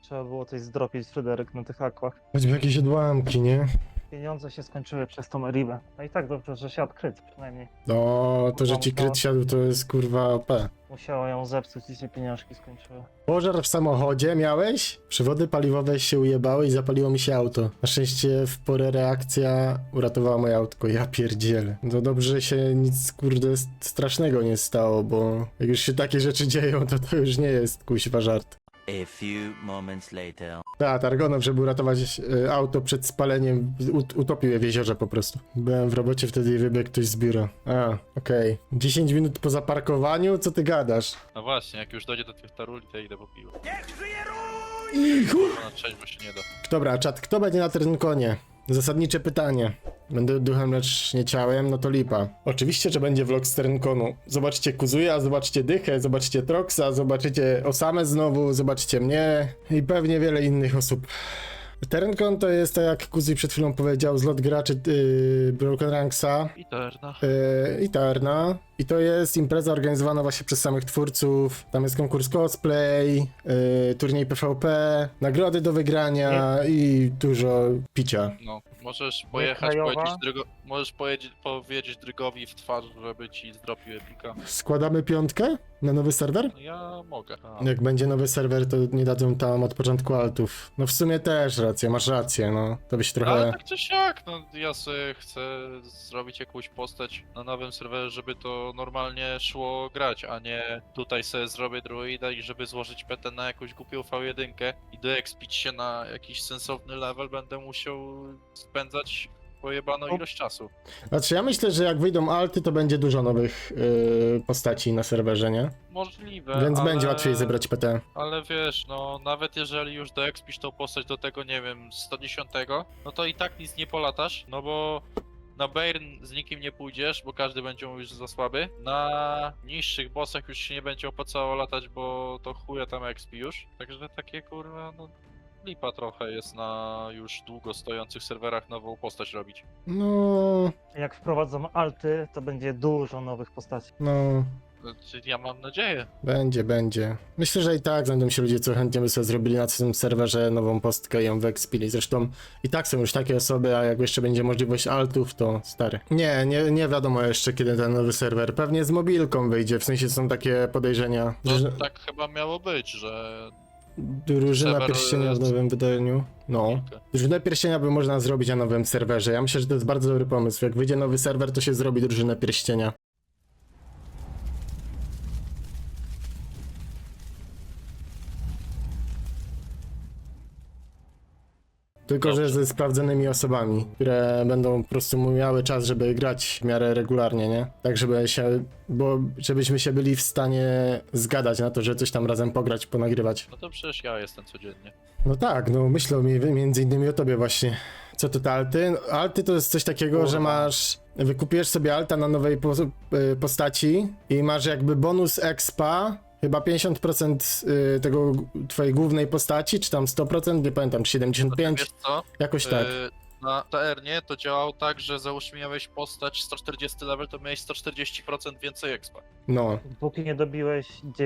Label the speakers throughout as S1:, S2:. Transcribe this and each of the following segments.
S1: trzeba było coś zdropić, Fryderyk, na tych akwach.
S2: Choćby jakieś odłamki, nie?
S1: Pieniądze się skończyły przez tą Meribę. No i tak dobrze, że siadł kryt przynajmniej.
S2: No, to, że ci kryt siadł, to jest kurwa OP.
S1: Musiała ją zepsuć i się pieniążki skończyły.
S2: Pożar w samochodzie miałeś? Przewody paliwowe się ujebały i zapaliło mi się auto. Na szczęście w porę reakcja uratowała moje autko, ja pierdzielę. No dobrze, że się nic kurde strasznego nie stało, bo jak już się takie rzeczy dzieją, to już nie jest kuźwa żart.
S3: A few moments later.
S2: Tak, Targonow, żeby uratować auto przed spaleniem, utopił je w jeziorze po prostu. Byłem w robocie wtedy i wybiegł ktoś z biura. A, okej. 10 minut po zaparkowaniu? Co ty gadasz?
S4: No właśnie, jak już dojdzie do tych taruli, to idę po piwo. Na trzeźwo się nie da.
S2: Dobra, czat, kto będzie na Ternkonie? Zasadnicze pytanie. Będę duchem, lecz nie ciałem, no to lipa. Oczywiście, że będzie vlog z Ternkonu. Zobaczcie Kuzuya, zobaczcie Dychę, zobaczcie Troxa, zobaczycie Osamę znowu, zobaczcie mnie i pewnie wiele innych osób. Ternkon to jest, tak jak Kuzuy przed chwilą powiedział, zlot graczy Broken Ranksa i Terna. I to jest impreza organizowana właśnie przez samych twórców. Tam jest konkurs cosplay, turniej PvP, nagrody do wygrania i dużo picia.
S4: No, możesz pojechać, możesz powiedzieć Drygowi w twarz, żeby ci zdropił epika.
S2: Składamy piątkę na nowy serwer?
S4: No ja mogę.
S2: Jak będzie nowy serwer, to nie dadzą tam od początku altów. No w sumie też racja, masz rację, no. To by się trochę...
S4: Ale tak czy siak, no ja sobie chcę zrobić jakąś postać na nowym serwerze, żeby to normalnie szło grać, a nie tutaj sobie zrobię druida i żeby złożyć PT na jakąś głupią V1 i doekspić się na jakiś sensowny level, będę musiał spędzać pojebaną ilość czasu.
S2: Znaczy ja myślę, że jak wyjdą alty, to będzie dużo nowych postaci na serwerze, nie?
S4: Możliwe,
S2: Więc
S4: ale...
S2: będzie łatwiej zebrać PT.
S4: Ale wiesz, no nawet jeżeli już doekspisz tą postać do tego, nie wiem, 110, no to i tak nic nie polatasz, no bo na Bairn z nikim nie pójdziesz, bo każdy będzie mówił, że za słaby. Na niższych bossach już się nie będzie opłacało latać, bo to chuja tam expi już. Także takie kurwa, no lipa trochę jest na już długo stojących serwerach nową postać robić.
S2: No...
S1: Jak wprowadzą alty, to będzie dużo nowych postaci.
S2: No...
S4: Znaczy, ja mam nadzieję.
S2: Będzie. Myślę, że i tak znajdą się ludzie, co chętnie by sobie zrobili na tym serwerze nową postkę i ją wyekspili. Zresztą i tak są już takie osoby, a jak jeszcze będzie możliwość altów, to stary. Nie wiadomo jeszcze, kiedy ten nowy serwer. Pewnie z mobilką wyjdzie, w sensie są takie podejrzenia.
S4: No
S2: Że
S4: tak chyba miało być, że...
S2: Drużyna
S4: serwer
S2: pierścienia w nowym wydaniu. No. Drużynę pierścienia by można zrobić na nowym serwerze. Ja myślę, że to jest bardzo dobry pomysł. Jak wyjdzie nowy serwer, to się zrobi drużynę pierścienia. Tylko, że ze sprawdzonymi osobami, które będą po prostu miały czas, żeby grać w miarę regularnie, nie? Tak, żebyśmy się byli w stanie zgadać na to, że coś tam razem pograć, ponagrywać.
S4: No to przecież ja jestem codziennie.
S2: No tak, no myślę między innymi o tobie właśnie. Co to te alty? Alty to jest coś takiego, że wykupujesz sobie alta na nowej postaci i masz jakby bonus expa, chyba 50% tego twojej głównej postaci, czy tam 100%, nie pamiętam, czy 75%,
S4: Wiesz co?
S2: jakoś tak.
S4: Na TR-nie to działało tak, że załóżmy miałeś postać 140 level, to miałeś 140% więcej expa.
S2: No.
S1: Póki nie dobiłeś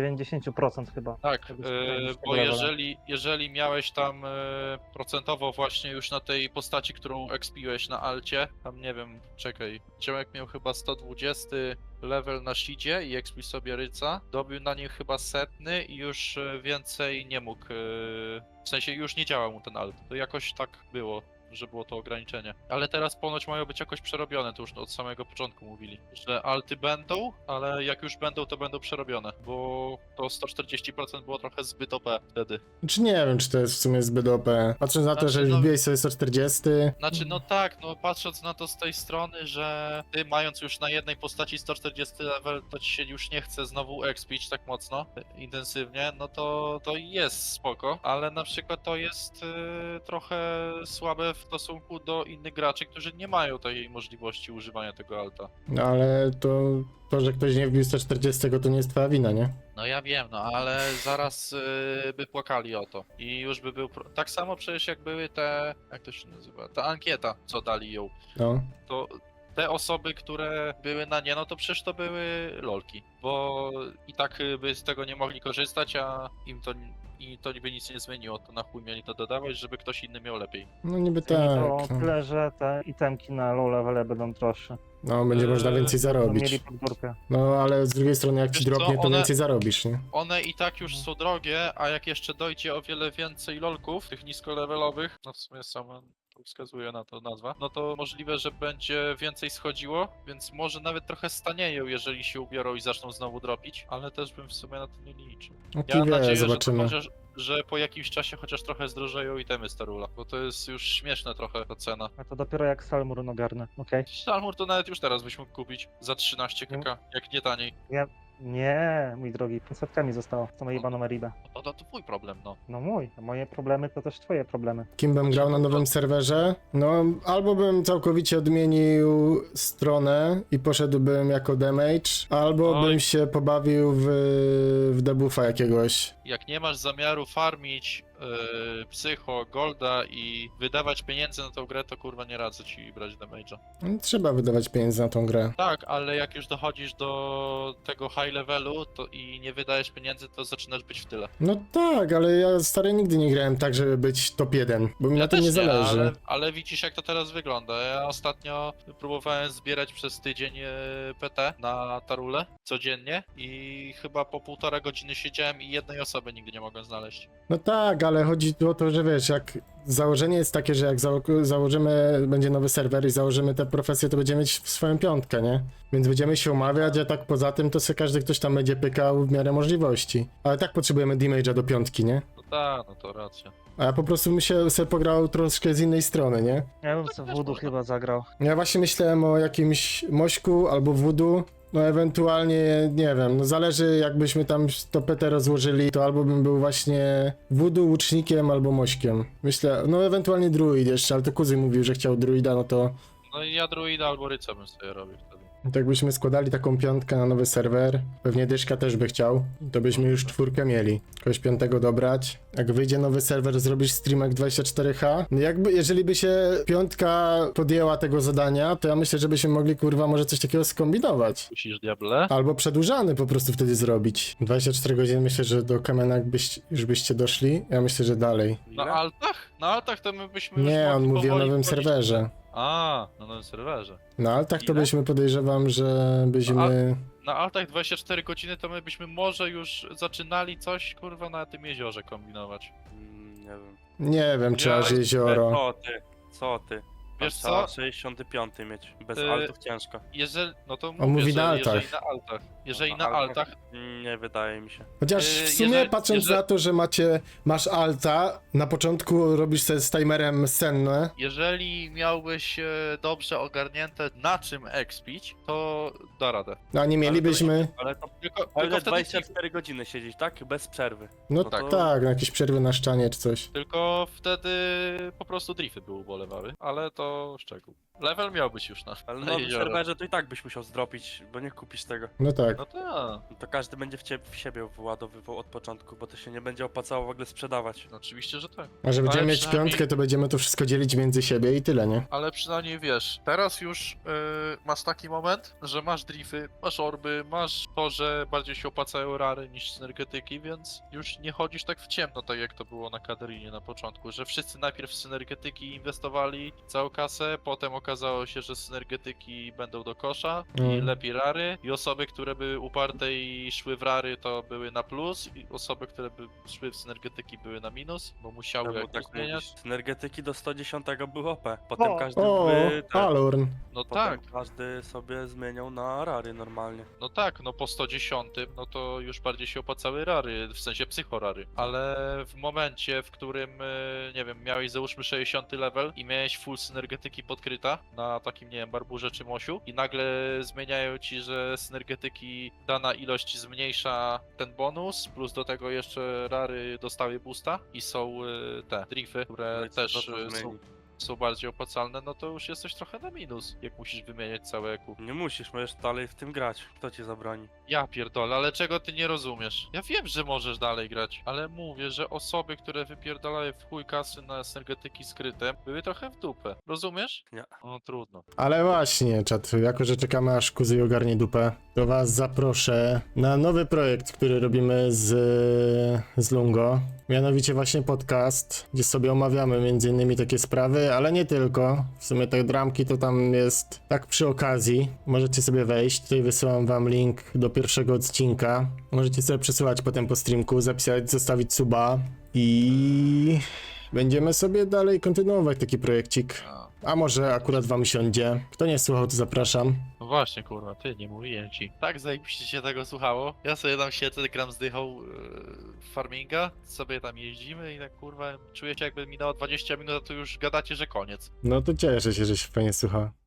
S1: 90% chyba.
S4: Tak,
S1: Jakbyś miał
S4: bo
S1: levela.
S4: jeżeli miałeś tam procentowo właśnie już na tej postaci, którą expiłeś na alcie, tam nie wiem, czekaj, Ciemek miał chyba 120 level na shidzie i expił sobie ryca, dobił na nim chyba 100 i już więcej nie mógł, w sensie już nie działał mu ten alt, to jakoś tak było, że było to ograniczenie. Ale teraz ponoć mają być jakoś przerobione, to już od samego początku mówili, że alty będą, ale jak już będą, to będą przerobione, bo to 140% było trochę zbyt OP wtedy.
S2: Czy nie wiem, czy to jest w sumie zbyt OP. Patrząc na to, że
S4: no-
S2: wbiłeś sobie 140.
S4: Znaczy, no tak, no patrząc na to z tej strony, że ty mając już na jednej postaci 140 level, to ci się już nie chce znowu expić tak mocno, intensywnie, no to jest spoko, ale na przykład to jest trochę słabe w stosunku do innych graczy, którzy nie mają takiej możliwości używania tego alta.
S2: No ale to, że ktoś nie wbił 140, to nie jest twoja wina, nie?
S4: No ja wiem, no ale zaraz by płakali o to i już by był... Tak samo przecież jak były te... jak to się nazywa? Ta ankieta, co dali ją.
S2: No.
S4: To te osoby, które były na nie, no to przecież to były lolki, bo i tak by z tego nie mogli korzystać, a i to by nic nie zmieniło, to na chuj mieli to dodawać, żeby ktoś inny miał lepiej.
S2: No niby
S1: Zmieni
S2: tak.
S1: to
S2: No,
S1: tyle, że te itemki na low levele będą droższe.
S2: no będzie można więcej
S1: Będą mieli
S2: zarobić.
S1: pod górkę.
S2: No ale z drugiej strony jak ci
S4: Wiesz co,
S2: dropnie, to
S4: one-
S2: więcej zarobisz, nie?
S4: One i tak już są drogie, a jak jeszcze dojdzie o wiele więcej lolków, tych niskolevelowych, no w sumie sama to wskazuje na to nazwa, no to możliwe, że będzie więcej schodziło, więc może nawet trochę stanieją, jeżeli się ubiorą i zaczną znowu dropić, ale też bym w sumie na to nie liczył.
S2: No
S4: Ja mam
S2: wie,
S4: nadzieję,
S2: zobaczymy.
S4: że po jakimś czasie chociaż trochę zdrożeją itemy Starula, bo to jest już śmieszne trochę ta cena.
S1: A to dopiero jak Salmur ogarnę, okej?
S4: Salmur to nawet już teraz byś mógł kupić za 13 kk, jak nie taniej.
S1: Nie, mój drogi, pod setkami zostało. To moje jebaną Meribę.
S4: To twój problem, no.
S1: No mój, a moje problemy to też twoje problemy.
S2: Kim bym grał na nowym serwerze? No, albo bym całkowicie odmienił stronę i poszedłbym jako damage, albo
S4: Oj.
S2: bym się pobawił w debuffa jakiegoś.
S4: Jak nie masz zamiaru farmić psycho, golda i wydawać pieniędzy na tą grę, to kurwa nie radzę ci brać damage'a.
S2: No, trzeba wydawać pieniędzy na tą grę.
S4: Tak, ale jak już dochodzisz do tego high levelu to i nie wydajesz pieniędzy, to zaczynasz być w tyle.
S2: No tak, ale ja stary nigdy nie grałem tak, żeby być top 1, bo mi na tym
S4: też
S2: nie zależy.
S4: ale widzisz jak to teraz wygląda. Ja ostatnio próbowałem zbierać przez tydzień PT na Tarule codziennie i chyba po 1,5 godziny siedziałem i jednej osoby nigdy nie mogłem znaleźć.
S2: No tak, ale chodzi tu o to, że wiesz, jak założenie jest takie, że jak założymy, będzie nowy serwer i założymy tę profesję, to będziemy mieć swoją piątkę, nie? Więc będziemy się umawiać, a tak poza tym to sobie każdy ktoś tam będzie pykał w miarę możliwości. Ale tak potrzebujemy damage'a do piątki, nie?
S4: No tak, no to racja.
S2: A ja po prostu bym się sobie pograł troszkę z innej strony, nie?
S1: Ja bym sobie Voodoo chyba zagrał.
S2: Ja właśnie myślałem o jakimś Mośku albo Voodoo. No ewentualnie, nie wiem, no zależy jakbyśmy tam to PT rozłożyli, to albo bym był właśnie Voodoo, łucznikiem albo Mośkiem. Myślę, no ewentualnie druid jeszcze, ale to kuzyn mówił, że chciał druida, no to
S4: No i ja druida albo ryca bym sobie robił wtedy.
S2: tak byśmy składali taką piątkę na nowy serwer. Pewnie Dyszka też by chciał, to byśmy już 4 mieli. Kogoś 5 dobrać. Jak wyjdzie nowy serwer, zrobisz streamek 24H. Jeżeli by się piątka podjęła tego zadania, to ja myślę, że byśmy mogli kurwa może coś takiego skombinować.
S4: Musisz diable.
S2: Albo przedłużany po prostu wtedy zrobić. 24 godziny myślę, że do Kamena już byście doszli. Ja myślę, że dalej.
S4: Na altach? Na altach to my byśmy już
S2: Nie, on
S4: mogli
S2: mówi o
S4: powoli
S2: nowym
S4: wchodzić.
S2: serwerze.
S4: A, na nowym serwerze.
S2: Na altach to
S4: Ile?
S2: byśmy podejrzewam, że byśmy...
S4: Na altach 24 godziny to my byśmy może już zaczynali coś, kurwa, na tym jeziorze kombinować.
S5: Nie wiem.
S2: Nie wiem, czy
S4: Ja-
S2: aż jezioro.
S5: Co ty?
S4: Wiesz
S5: Trzeba
S4: co?
S5: 65 mieć. Bez
S4: Y-
S5: altów ciężko.
S4: Jeżeli, no to
S2: On mówi
S4: że
S2: na altach.
S4: jeżeli na altach. Jeżeli
S5: No,
S4: na altach,
S5: Nie wydaje mi się.
S2: Chociaż w sumie patrząc na to, że masz alta, na początku robisz sobie z timerem senne.
S4: jeżeli miałbyś dobrze ogarnięte na czym expić, to da radę.
S2: A nie mielibyśmy...
S5: Ale to
S4: Tylko
S5: ale
S4: wtedy
S5: 24 godziny siedzieć, tak? Bez przerwy.
S2: No
S5: no to-
S2: tak, na jakieś przerwy na szczanie czy coś.
S4: Tylko wtedy po prostu drifty by ubolewały, ale to szczegół. Level miał być już na,
S5: Ale
S4: na
S5: na nowym
S4: jezioro.
S5: serwerze to i tak byś musiał zdropić, bo nie kupisz tego.
S2: No tak.
S4: No tak.
S5: To każdy będzie w siebie wyładowywał od początku, bo to się nie będzie opłacało w ogóle sprzedawać.
S4: No oczywiście, że tak.
S2: A że będziemy
S4: Ale
S2: mieć
S4: przynajmniej-
S2: piątkę, to będziemy to wszystko dzielić między siebie i tyle, nie?
S4: Ale przynajmniej wiesz, teraz już masz taki moment, że masz drify, masz orby, masz to, że bardziej się opłacają rary niż synergetyki, więc już nie chodzisz tak w ciemno, tak jak to było na Kaderinie na początku, że wszyscy najpierw w synergetyki inwestowali całą kasę, potem okazało się, że synergetyki będą do kosza i
S2: Mm.
S4: lepiej rary i osoby, które były uparte i szły w rary, to były na plus i osoby, które by szły w synergetyki były na minus, bo musiały
S5: Czemu
S4: jakoś
S5: tak
S4: zmieniać.
S5: mówisz? Synergetyki do 110 były OP. Potem
S1: O!
S5: każdy
S2: O, Alorn.
S4: No
S5: potem
S4: tak.
S5: każdy sobie zmieniał na rary normalnie.
S4: No tak, no po 110, no to już bardziej się opłacały rary, w sensie psychorary. Ale w momencie, w którym, nie wiem, miałeś załóżmy 60 level i miałeś full synergetyki podkryta na takim, nie wiem, barburze czy mosiu i nagle zmieniają ci, że synergetyki dana ilość zmniejsza ten bonus, plus do tego jeszcze rary dostały boosta i są te drify, które
S5: No i co
S4: też
S5: to
S4: są...
S5: zmieni?
S4: są bardziej opłacalne, no to już jesteś trochę na minus, jak musisz wymieniać całe EQ.
S5: Nie musisz, możesz dalej w tym grać. Kto ci zabroni?
S4: Ja pierdolę, ale czego ty nie rozumiesz? Ja wiem, że możesz dalej grać, ale mówię, że osoby, które wypierdalają w chuj kasy na energetyki skryte, były trochę w dupę. Rozumiesz?
S5: Nie.
S4: No trudno.
S2: Ale właśnie, czat, jako że czekamy aż Kuzy ogarnie dupę, to was zaproszę na nowy projekt, który robimy z Lungo. Mianowicie właśnie podcast, gdzie sobie omawiamy między innymi takie sprawy, ale nie tylko. W sumie te dramki to tam jest tak przy okazji. Możecie sobie wejść, tutaj wysyłam wam link do pierwszego odcinka. Możecie sobie przesyłać potem po streamku, zapisać, zostawić suba i będziemy sobie dalej kontynuować taki projekcik. A może akurat wam siądzie. Kto nie słuchał, to zapraszam.
S4: No właśnie, kurwa, ty, nie mówiłem ci. Tak zajebiście się tego słuchało. Ja sobie tam siedzę, gram z dychą farminga, sobie tam jeździmy i tak, kurwa, czuję się jakby minęło 20 minut, a tu już gadacie, że koniec.
S2: No to cieszę się, że się fajnie słucha.